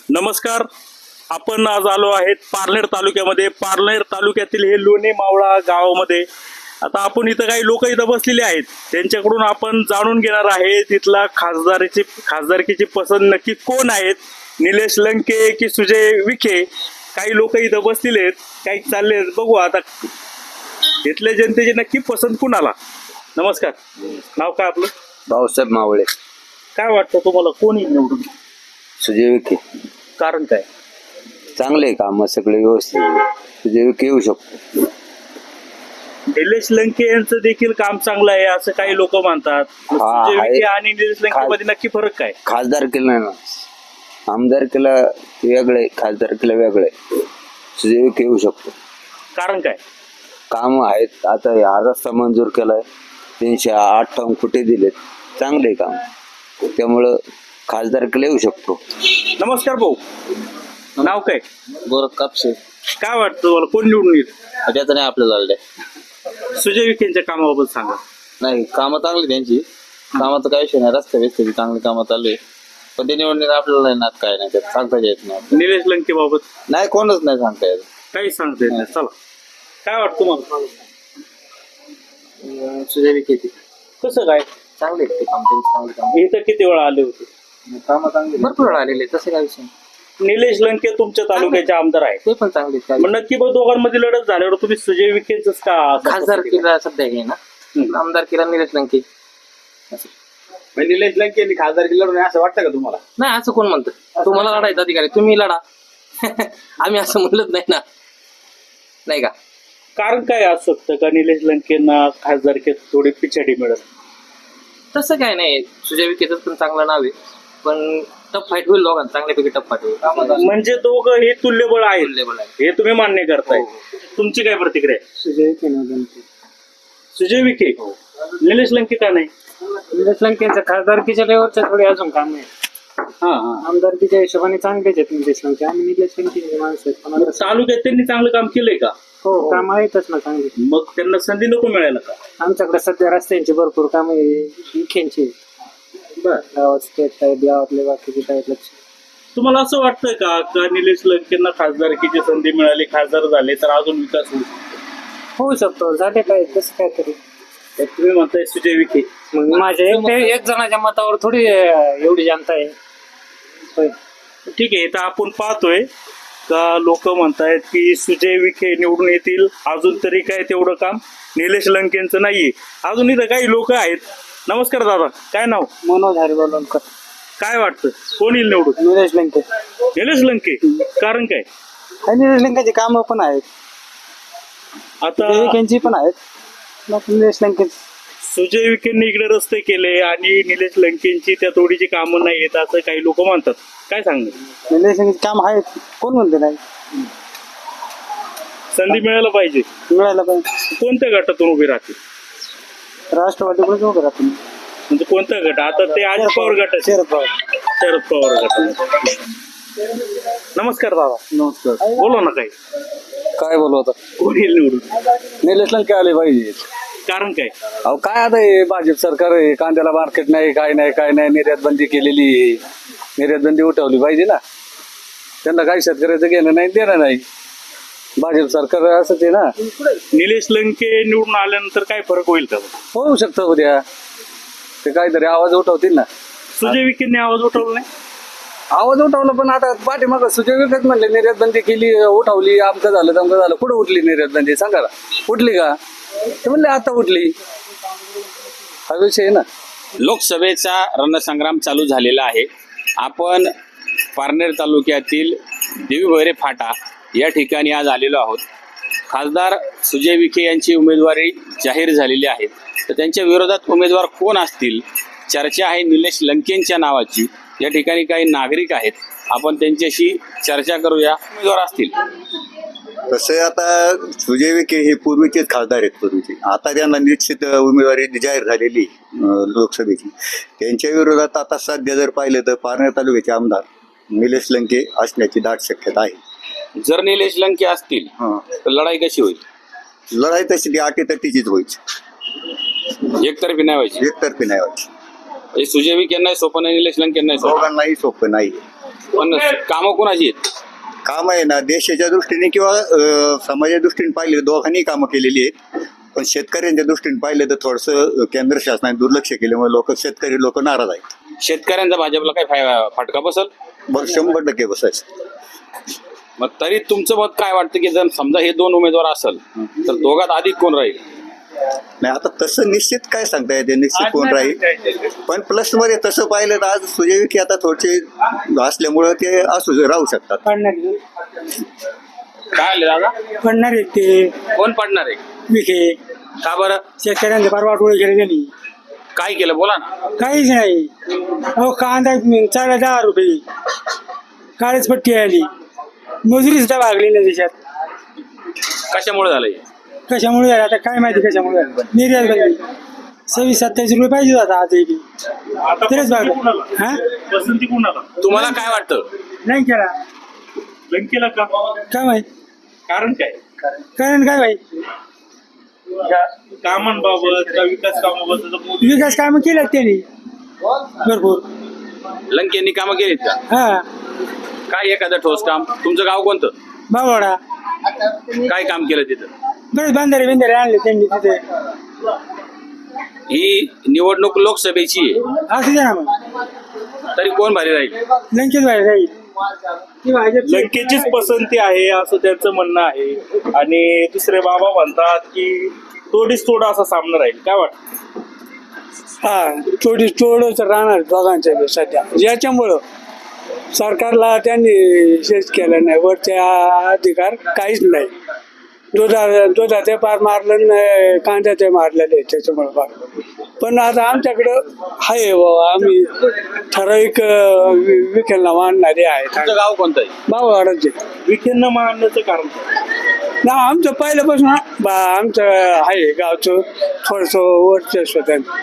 नमस्कार. आपण आज आलो आहेत पारनेर तालुक्यामध्ये. पारनेर तालुक्यातील हे लोणे मावळा गावामध्ये. आता आपण इथं काही लोक इथं बसलेले आहेत, त्यांच्याकडून आपण जाणून घेणार आहे तिथला खासदारकीची पसंत नक्की कोण आहेत, निलेश लंके की सुजय विखे. काही लोक इथं बसलेले आहेत, काही चालले आहेत. बघू आता इथल्या जनतेची नक्की पसंत कुणाला. नमस्कार, नाव काय आपलं? भाऊसाहेब मावळे. काय वाटतं तुम्हाला कोण येईल निवडून? सुजय विखे. कारण काय? चांगले काम सगळे व्यवस्थित. सुजय विखे येऊ शकतो. निलेश लंके यांचं देखील काम चांगलं आहे असं काही लोक म्हणतात. सुजय आहे. विखे आणि निलेश लंके मध्ये नक्की फरक काय? खासदार केला ना, आमदार केला वेगळे, खासदार केला वेगळे. सुजय विखे येऊ शकतो. कारण काय? काम आहेत. आता हा रस्ता मंजूर केलाय, 358 कोटी दिलेत. चांगले काम, त्यामुळं खासदार केला येऊ शकतो. नमस्कार भाऊ, नाव काय? गोरख कापसे. काय वाटतं तुम्हाला कोण निवडून येईल? त्याचं नाही आपल्याला झालंय. सुजय विखेंच्या कामाबाबत सांगा. नाही, कामं चांगली त्यांची. कामाचं काही विषय नाही. रस्ते बिस्ते चांगली कामं चालू आहे, पण ते निवडणूक आपल्याला नाही नात काय नाही, त्यात सांगता येत नाही. निलेश लंके बाबत नाही, कोणच नाही सांगता येत. काही सांगता येत नाही. चला, काय वाटतं तुम्हाला? सुजय विखे कसं काय? चांगले ते काम, त्यांची चांगली काम. इथं किती वेळा आले होते? कामं चांगली भरपूर वेळा आलेले, तसं काय विषय नाही. निलेश लंके तुमच्या तालुक्याचे आमदार आहेत, ते पण चांगले. मग नक्की बघ दोघांमध्ये लढत झाल्यावर तुम्ही सुजय विखेच का खासदार केला सध्या हे ना, आमदार केला निलेश लंके. निलेश लंके खासदार केलं असं वाटतं का तुम्हाला? नाही, असं कोण म्हणतं? तुम्हाला लढायचं अधिकारी, तुम्ही लढा. आम्ही असं म्हणलंच नाही ना, नाही का? कारण काय असू शकतं का निलेश लंकेंना खासदारकीत थोडी पिछाडी मिळत? तसं काय नाही, सुजय विखेचं पण चांगलं नाव आहे, पण टफ फाईट होईल दोघांना, चांगल्यापैकी टफ फाईट होईल. म्हणजे दोघं हे तुल्यबळ आहेत, Tullable आहे. हे तुम्ही मान्य करताय. तुमची काय प्रतिक्रिया आहे? सुजय विखे. निलेश लंके का नाही? निलेश लंकेंचं खासदारकीच्या लेवलच्या थोडी अजून काम आहे. हा हा. आमदारकीच्या हिशोबाने चांगलेच आहेत निलेश लंके आणि निलेश लंकेंचे माणसं आहेत. पण आता तालुक्यात त्यांनी चांगलं काम केलंय का? हो, काम आहेतच ना चांगली. मग त्यांना संधी नको मिळायला का? आमच्याकडे सध्या रस्त्यांची भरपूर काम आहे, विखेंची. गावात स्टेट आहेत, गावातले बाकीचे आहेत लक्ष. तुम्हाला असं वाटतं का निलेश लंकेंना खासदारकीची संधी मिळाली, खासदार झाले तर अजून विकास होईल? होऊ शकतो, झाले काय तसं काय तरी. तर तुम्ही म्हणताय सुजय विखे. मग माझ्या एक जणाच्या मतावर थोडी एवढी जनता आहे. होय. ठीक आहे, तर आपण पाहतोय का लोक म्हणतायत की सुजय विखे निवडून येतील. अजून तरी काय तेवढं काम निलेश लंकेंचं नाहीये. अजून इथं काही लोक आहेत. नमस्कार दादा, काय नाव? मनोज हरिबोलकर. काय वाटतं कोण येईल निवडून? निलेश लंके. निलेश लंके. कारण काय? निलेश लंकेची कामं पण आहेत, आता विखेंची पण आहेत. निलेश लंके सुजय विखेंनी इकडे रस्ते केले आणि निलेश लंकेंची त्या तोडीची कामं नाही येत असं काही लोक म्हणतात. काय सांगणार? निलेश लंकेची काम आहेत, कोण म्हणते नाही. संधी मिळायला पाहिजे. मिळायला पाहिजे. कोणत्या गटातून उभे राहतील? राष्ट्रवादीकडे उभं राहतो. म्हणजे कोणता गट? आता ते अजित पवार गट, शरद पवार. शरद पवार गट. नमस्कार दादा. नमस्कार. बोला ना काही. काय बोलू आता? कोण येईल निवडून? निलेश लंके आले पाहिजे. कारण काय? अहो काय आता हे भाजप सरकार आहे, कांद्याला मार्केट नाही, काय नाही, निर्यात बंदी केलेली आहे. निर्यात बंदी उठवली पाहिजे ना. त्यांना काही शेतकऱ्याचं घेणं नाही, देणं नाही. भाजप सरकार असंच आहे ना. निलेश लंके निवडून आल्यानंतर काय फरक होईल का? होऊ शकतं उद्या ते काहीतरी आवाज उठवतील ना. सुजय विखेंनी आवाज उठवला नाही. आवाज उठवला, पण आता पाठीमागं सुजय विखेच म्हणले निर्यात बंदी केली, उठवली, आमचं झालं तमकं झालं. कुठं उठली निर्यात बंदी सांगा ना? उठली का? ते म्हणले आता उठली. हा विषय आहे ना. लोकसभेचा रणसंग्राम चालू झालेला आहे. आपण पारनेर तालुक्यातील देवी भैरे फाटा या ठिकाणी आज आलेलो आहोत. खासदार सुजय विखे यांची उमेदवारी जाहीर झालेली आहे, तर त्यांच्या विरोधात उमेदवार कोण असतील चर्चा आहे निलेश लंकेंच्या नावाची. या ठिकाणी काही नागरिक आहेत, आपण त्यांच्याशी चर्चा करूया. उमेदवार असतील तसे आता सुजय विखे हे पूर्वीचेच खासदार आहेत पूर्वीचे. आता त्यांना निश्चित उमेदवारी जाहीर झालेली लोकसभेची. त्यांच्या विरोधात आता सध्या जर पाहिलं तर पारनेर तालुक्याचे आमदार निलेश लंके असण्याची दाट शक्यता आहे. जर निलेश लंके असतील तर लढाई कशी होईल? लढाई तशी ती अटीतटीचीच व्हायची, एकतर्फी नाही व्हायची. एकतर्फी नाही व्हायची. हे सुजय विखे नाही सोपं नाही, निलेश लंके नाही सोपं. दोघांनाही सोपं नाही. पण कामं कोणाची आहेत? काम आहे ना देशाच्या दृष्टीने किंवा समाजाच्या दृष्टीने पाहिले दोघांनी कामं केलेली आहेत. पण शेतकऱ्यांच्या दृष्टीने पाहिलं तर थोडंसं केंद्र शासनाने दुर्लक्ष केल्यामुळे शेतकरी लोक नाराज आहेत. शेतकऱ्यांचा भाजपला काय फटका बसल? बरं 100% बसायचं. मग तरी तुमचं मत काय वाटतं की जर समजा हे दोन उमेदवार असेल तर दोघात अधिक कोण राहील? नाही आता तसं निश्चित काय सांगता येते निश्चित कोण राहील. पण प्लस मध्ये तसं पाहिलं तर आज सुजय विखे आता थोडे असल्यामुळं ते राहू शकतात. काय आले दादा? पडणार आहेत ते कोण पडणार आहे? विखे. का बरं? शेतकऱ्यांचे परवा टोळे केले त्यांनी. काय केलं बोला ना. काहीच नाही. अहो कांदा 4,000 रुपये काळीच पट्टी आली. मजुरी सुद्धा भागली नाही त्याच्यात. कशामुळे झालंय? कशामुळे झालं आता काय माहिती कशामुळे झालं. निर्यात बंदी 26-27 रुपये पाहिजे होता आता इथे. तरच भागलं. हा पसंती कोणाला? तुम्हाला काय वाटतं? नाही केला. लंकेला का? काय माहित कारण काय? कारण काय माहित. कामांबाबत का विकास कामाबद्दल मोदी विकास कामं केल्यात त्यांनी भरपूर. लंकेंनी कामं केलीत का? हा काय एखादं ठोस काम? तुमचं गाव कोणतं? बावडा काय काम केलं तिथं? बरेच बांधारे आणले त्यांनी तिथे. ही निवडणूक लोकसभेची आहे, असू द्या ना मग. तरी कोण भारी राहील? लंकेच बाहेर जाईल. ती भाजपची. लंकेचीच पसंती आहे असं त्यांचं म्हणणं आहे. आणि दुसरे बाबा म्हणतात की तोडीस तोड असा सामना राहील. काय वाटतं? हा तोडच राहणार दोघांच्या बी सध्या. याच्यामुळं सरकारला त्यांनी शेच केलं नाही. वरच्या अधिकार काहीच नाही. दुधाचे पार मारलं नाही, कांद्याचे मारलेले त्याच्यामुळे पार. पण आता आमच्याकडं आहे बाबा आम्ही ठराविक विखेला मानणारे आहेत. तुमचं गाव कोणतं आहे? बावळाचे विखेंना मानण्याचं कारण ना आमचं पहिल्यापासून आमचं आहे गावचं थोडंसं वर्चस्व त्यांचं.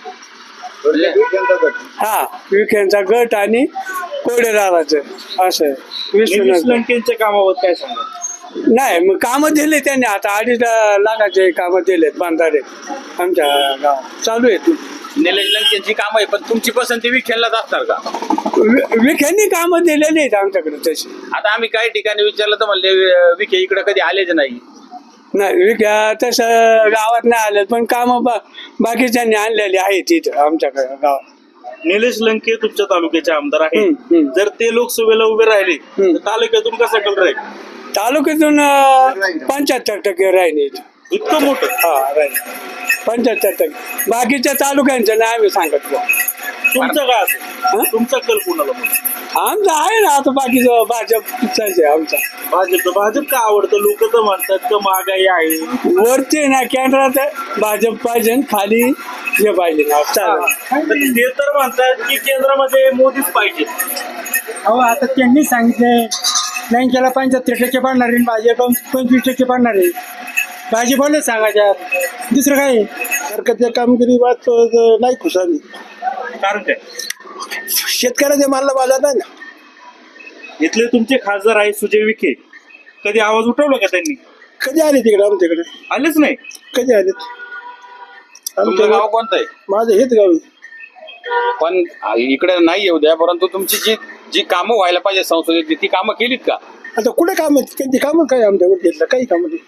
हा विखेंचा गट आणि कोडेदाराचं असं विश्वनाथ लंकेच्या कामाबद्दल काय सांगा? नाही मग कामं दिले त्यांनी. आता 2.5 लाखाचे कामं दिलेत बांधारे आमच्या गावात चालू आहेत. निलेश लंकेंची कामं आहे, पण तुमची पसंती विखेललाच असणार का? विखेंनी कामं दिलेली आहेत आमच्याकडे तशी. आता आम्ही काही ठिकाणी विचारलं तर म्हणले विखे इकडे कधी आलेच नाही. नाही विख्या तसं गावात नाही आले पण कामं बाकीच्यांनी आणलेली आहेत इथं आमच्याकडे गावात. निलेश लंके तुमच्या तालुक्याचे आमदार आहेत. हम्म. जर ते लोकसभेला उभे राहिले तर तालुक्यातून कसा कल राहील? तालुक्यातून 75% राहिले इथं. इतकं मोठं? हा राहील 75%. बाकीच्या तालुक्यांचं नाही आम्ही सांगत बुवा. तुमचं काय असेल? तुमचा कल कोणाला म्हणून? आमचं आहे ना आता बाकीचं भाजपचाच आहे आमचा. भाजप का आवडतं? लोक तर म्हणतात की महागाई आहे. वरती ना केंद्रात भाजप पाहिजे खाली हे पाहिजे ना चालेल. ते तर म्हणतात की केंद्रामध्ये मोदीच पाहिजे. अहो आता त्यांनी सांगितलंय लंकेला 75% पडणार आहे, भाजप 25% पडणार आहे. भाजपलाच सांगायच्या दुसरं काय. सरकारच्या कामगिरी वाच नाही खुशाली. कारण काय? शेतकऱ्याच्या मालला बाजार नाही ना. इथले तुमचे खासदार आहे सुजय विखे. कधी आवाज उठवला का त्यांनी? कधी आले तिकडे आमच्याकडे? आलेच नाही. कधी आले? तुमचं गाव कोणतं आहे? माझं हेच गाव. पण इकडे नाही येऊ द्या, परंतु तुमची जी कामं व्हायला पाहिजे संसदेची ती कामं केलीत का? आता कुठे काम आहेत? त्यांची कामं काय आमच्याकडे घेतलं काही काम नाही.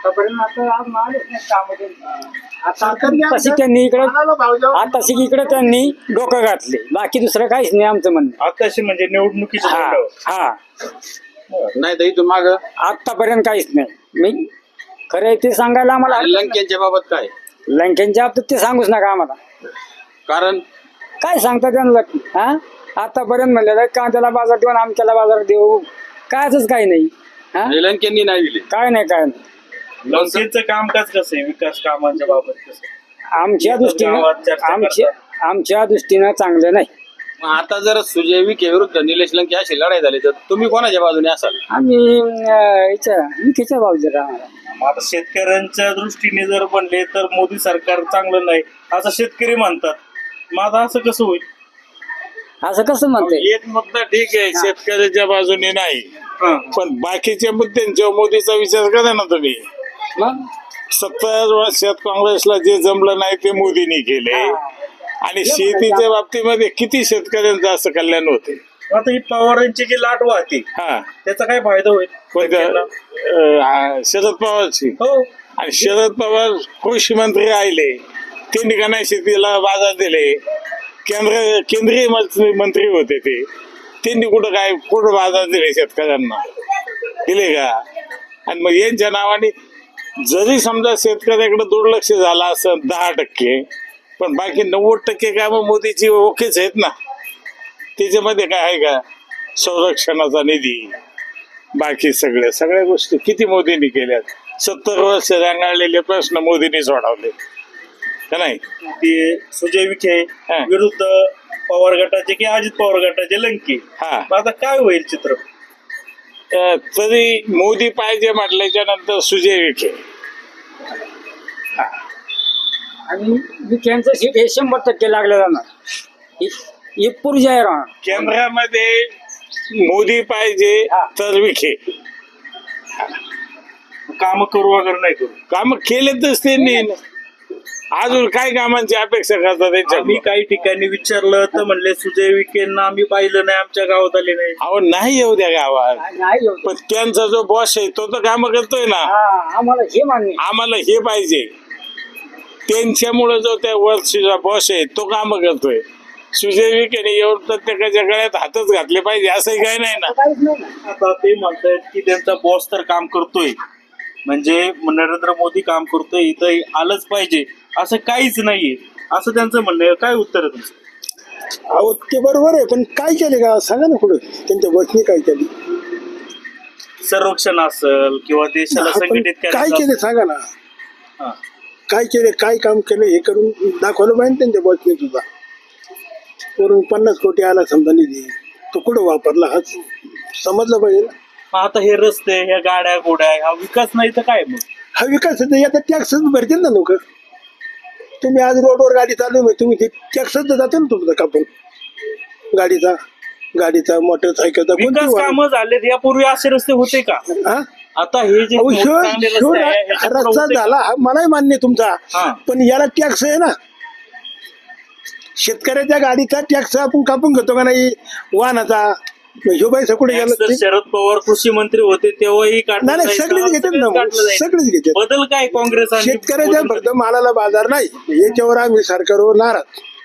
त्यांनी इकडं आता इकडे त्यांनी डोकं घातले. बाकी दुसरं काहीच नाही आमचं म्हणणं. आताशी म्हणजे निवडणुकीच्या हा तोंडावर. हो. नाही तर इथून माग आतापर्यंत काहीच नाही. मी खरं आहे ते सांगायला आम्हाला लंकेंच्या बाबत काय? लंकेंच्या बाबतीत ते सांगूच नका आम्हाला. कारण काय सांगता त्यांना? हा आतापर्यंत म्हणलेलं कांद्याला बाजार देऊन आमच्याला बाजार देऊ कायच काही नाही. हा लंकेंनी नाही दिले. काय नाही. लंकेचं कामकाज कसं आहे? विकास कामांच्या बाबत कसं आहे? आमच्या दृष्टीनं गावात चर्चा आमच्या दृष्टीनं चांगलं नाही. मग आता जर सुजय विखे विरुद्ध निलेश लंके अशी लढाई झाली तर तुम्ही कोणाच्या बाजूने असाल? आम्ही विखेच्या बाजूला राहणार. मग आता शेतकऱ्यांच्या दृष्टीने जर बनले तर मोदी सरकार चांगलं नाही असं शेतकरी म्हणतात. मग आता असं कसं होईल? असं कसं म्हणते? एक मुद्दा ठीक आहे, शेतकऱ्याच्या बाजूने नाही, पण बाकीच्या मुद्द्यांच्या मोदीचा विचार करा ना तुम्ही. मग 70 वर्षात काँग्रेसला जे जमलं नाही ते मोदींनी केले. आणि शेतीच्या बाबतीमध्ये किती शेतकऱ्यांचं असं कल्याण होते. आता ही पवारांची जी लाट वाहते हा त्याचा काय फायदा होईल कोणत्या शरद पवारची हो आणि शरद पवार कृषी मंत्री राहिले, त्यांनी का नाही शेतीला बाजार दिले. केंद्रीय मंत्री होते ते, त्यांनी कुठं बाजार दिले शेतकऱ्यांना, दिले का? आणि मग यांच्या नावाने जरी समजा शेतकऱ्याकडे दुर्लक्ष झालं असं 10%, पण बाकी 90% कामं मोदीची ओकेच आहेत ना. त्याच्यामध्ये काय आहे का संरक्षणाचा निधी, बाकी सगळ्या गोष्टी किती मोदींनी केल्यात. 70 वर्ष रांगाळलेले प्रश्न मोदींनी सोडवले का नाही. ते सुजय विखे हा. विरुद्ध पवार गटाचे की अजित पवार गटाचे लंके. हा मग आता काय होईल चित्र? तरी मोदी पाहिजे म्हटल्याच्या नंतर सुजय विखे. आणि विखेंचं सीट हे 100% लागलं जाणार. हे पुरुष आहे राहणार. केंद्रामध्ये मोदी पाहिजे तर विखे. काम करू वगैरे नाही करू. काम केलेतच त्यांनी. अजून काय कामांची अपेक्षा करतात आम्ही त्यांच्या? काही ठिकाणी विचारलं तर म्हणले सुजय विखेंना आम्ही पाहिलं नाही, आमच्या गावात आले नाही. अहो नाही येऊ द्या गावात, नाही एवढं. पण त्यांचा जो बॉस आहे तो तर काम करतोय ना. आम्हाला हे मान्य. आम्हाला हे पाहिजे. त्यांच्यामुळे जो त्या वरचा बॉस आहे तो काम करतोय. सुजय विखेने एवढं प्रत्येकाच्या गळ्यात हातच घातले पाहिजे असंही काही नाही ना. काहीच नाही ना. आता ते म्हणतायत की त्यांचा बॉस तर काम करतोय, म्हणजे नरेंद्र मोदी काम करतोय, इथं आलंच पाहिजे असं काहीच नाहीये असं त्यांचं म्हणणं आहे. काय उत्तर आहे तुमचं? अहो ते बरोबर आहे, पण काय केले का सांगा ना पुढे त्यांच्या बसनी काय केली. संरक्षण असेल किंवा देशाला आपण संघटित काय करायचं केले सांगा ना. हा. काय केले, काय काम केलं हे करून दाखवलं पाहिजे त्यांच्या बसने सुद्धा. वरून 50 कोटी आला समजा निधी, तो कुठं वापरला हा समजलं पाहिजे ना. मग आता हे रस्ते, ह्या गाड्या गोड्या, हा विकास नाही तर काय? मग हा विकास आता टॅक्सच भरतील ना लोक. तुम्ही आज रोडवर गाडी चालू आहे, तुम्ही ते टॅक्सच जाते ना तुमचं कापून गाडीचा मोटरसायकलचा विकास कामं झालेत. यापूर्वी असे रस्ते होते का? हा आता हे जे अहो, ह्यो- चांगले ह्यो रस्ते आहे, ह्याच्यात रस्ता होते का? झाला हा मलाही मान्य आहे तुमचा, हा. पण याला टॅक्स आहे ना. शेतकऱ्याच्या गाडीचा टॅक्स आपण कापून घेतो का नाही, वाहनाचा. ह्यो पैसा कुठे गेला? Tax तर शरद पवार कृषी मंत्री होते तेव्हाही काढलं नाही नाही, जायचं, सगळेच घेतात ना, काढलं जायचं. सगळेच घेतात. बदल काय काँग्रेस आणि शेतकऱ्याच्या मोदींमध्ये? फक्त मालाला बाजार नाही याच्यावर आम्ही सरकारवर नाराज.